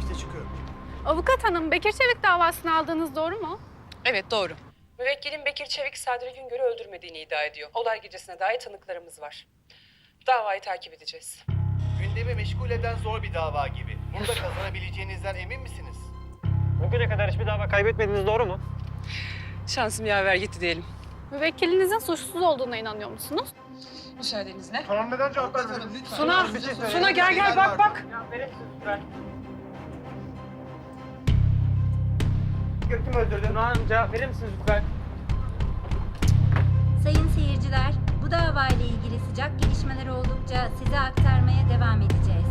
İşte çıkıyorum. Avukat hanım, Bekir Çevik davasını aldığınız doğru mu? Evet, doğru. Müvekkilin Bekir Çevik, Sadri Güngör'ü öldürmediğini iddia ediyor. Olay gecesine dair tanıklarımız var. Davayı takip edeceğiz. Gündemi meşgul eden zor bir dava gibi. Bunda kazanabileceğinizden emin misiniz? Bugüne kadar hiçbir dava kaybetmediğiniz doğru mu? Şansım yaver gitti diyelim. Müvekkilinizin suçsuz olduğuna inanıyor musunuz? Müsaadenizle. Tamam, neden cevap vermedin? Suna gel bak. Kim öldürdü? Suna Hanım cevap verir misiniz lütfen? Sayın seyirciler, bu davayla ilgili sıcak gelişmeler oldukça size aktarmaya devam edeceğiz.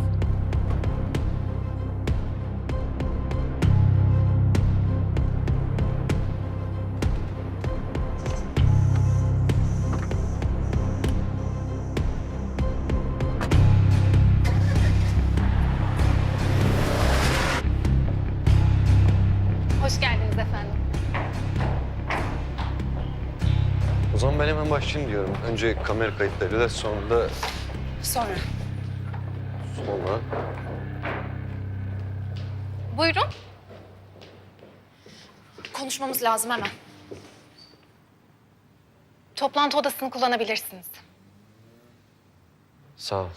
Hoş geldiniz efendim. O zaman ben hemen başlayayım diyorum. Önce kamera kayıtlarıyla sonra Sonra. Buyurun. Konuşmamız lazım hemen. Toplantı odasını kullanabilirsiniz. Sağ ol.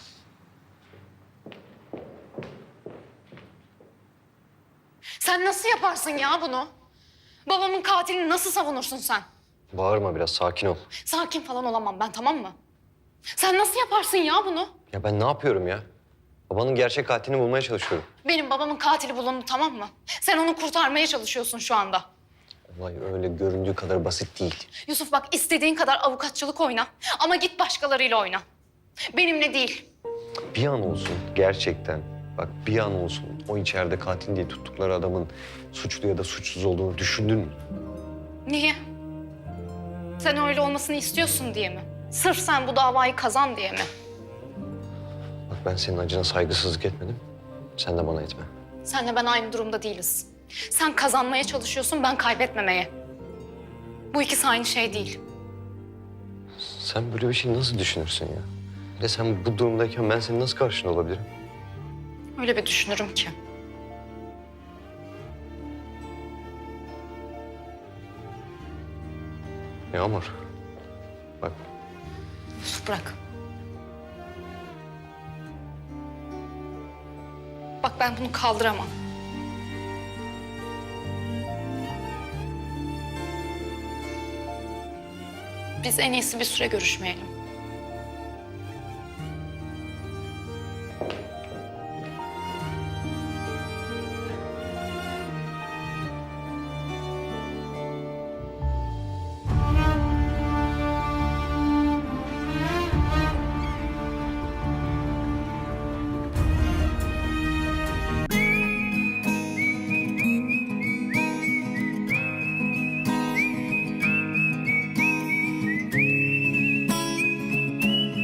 Sen nasıl yaparsın ya bunu? Babamın katilini nasıl savunursun sen? Bağırma biraz, sakin ol. Sakin falan olamam ben, tamam mı? Sen nasıl yaparsın ya bunu? Ya ben ne yapıyorum ya? Babanın gerçek katilini bulmaya çalışıyorum. Benim babamın katili bulundu, tamam mı? Sen onu kurtarmaya çalışıyorsun şu anda. Olay öyle göründüğü kadar basit değil. Yusuf bak, istediğin kadar avukatçılık oyna ama git başkalarıyla oyna. Benimle değil. Bir an olsun gerçekten, bak bir an olsun o içeride katil diye tuttukları adamın suçlu ya da suçsuz olduğunu düşündün mü? Niye? Sen öyle olmasını istiyorsun diye mi? Sırf sen bu davayı kazan diye mi? Bak ben senin acına saygısızlık etmedim. Sen de bana etme. Senle ben aynı durumda değiliz. Sen kazanmaya çalışıyorsun, ben kaybetmemeye. Bu ikisi aynı şey değil. Sen böyle bir şey nasıl düşünürsün ya? Bir de sen bu durumdayken ben senin nasıl karşında olabilirim? Öyle bir düşünürüm ki. Yağmur. Bak Yusuf bırak. Bak ben bunu kaldıramam. Biz en iyisi bir süre görüşmeyelim.